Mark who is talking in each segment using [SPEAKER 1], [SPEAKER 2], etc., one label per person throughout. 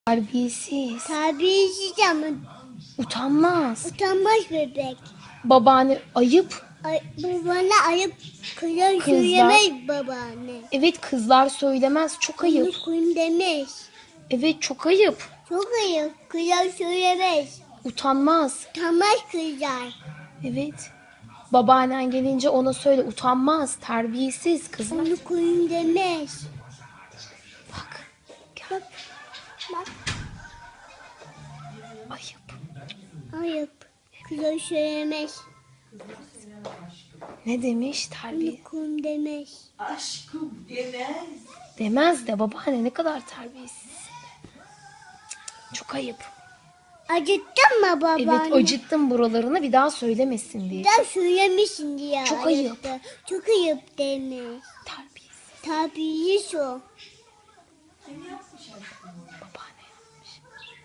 [SPEAKER 1] Terbiyesiz.
[SPEAKER 2] Terbiyesiz ama
[SPEAKER 1] Utanmaz.
[SPEAKER 2] utanmaz bebek.
[SPEAKER 1] Babaanne ayıp.
[SPEAKER 2] Babana ayıp kızlar
[SPEAKER 1] Kızlar.
[SPEAKER 2] söylemez babaanne.
[SPEAKER 1] Evet, kızlar söylemez. Çok ayıp.
[SPEAKER 2] Onu koyun demez.
[SPEAKER 1] Evet, çok ayıp.
[SPEAKER 2] Çok ayıp. Kızlar söylemez.
[SPEAKER 1] Utanmaz.
[SPEAKER 2] Utanmaz kızlar.
[SPEAKER 1] Evet. Babaannen gelince ona söyle, utanmaz. Terbiyesiz kızlar.
[SPEAKER 2] Onu koyun demez.
[SPEAKER 1] Bak.
[SPEAKER 2] Bak. Bak.
[SPEAKER 1] Ayıp.
[SPEAKER 2] Ayıp. Kızlar söylemez.
[SPEAKER 1] Ne demiş? Terbiye.
[SPEAKER 2] Onu koyun demez.
[SPEAKER 3] Aşkım demez.
[SPEAKER 1] Demez de babaanne, ne kadar terbiyesiz. Çok ayıp.
[SPEAKER 2] Acıttın mı babaanne?
[SPEAKER 1] Evet, acıttım buralarını, bir daha söylemesin diye.
[SPEAKER 2] Bir daha söylemişsin diye.
[SPEAKER 1] Çok ayıp.
[SPEAKER 2] acıttı. Çok ayıp demez.
[SPEAKER 1] Terbiyesiz.
[SPEAKER 2] Terbiyesiz o.
[SPEAKER 1] Babaanne yapmış.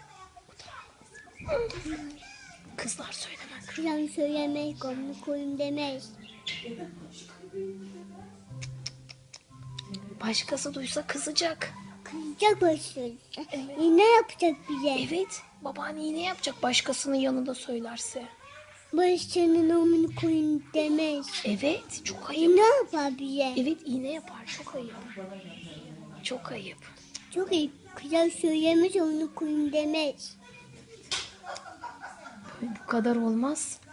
[SPEAKER 1] Utanmaz. Kızlar söylemez.
[SPEAKER 2] Kızlar söylemez. Onu koyun demez.
[SPEAKER 1] Başkası duysa kızacak.
[SPEAKER 2] Kızacak başladı.
[SPEAKER 1] Evet.
[SPEAKER 2] Ne yapacak bize?
[SPEAKER 1] Evet, babaanne ne yapacak başkasının yanında söylerse?
[SPEAKER 2] Başkanın omunu koyun demez.
[SPEAKER 1] Evet, çok ayıp.
[SPEAKER 2] Ne yapar bize?
[SPEAKER 1] Evet, iğne yapar, çok ayıp. Çok ayıp.
[SPEAKER 2] Çok iyi. Kızlar söylemez onu koyun demez.
[SPEAKER 1] Bu kadar olmaz.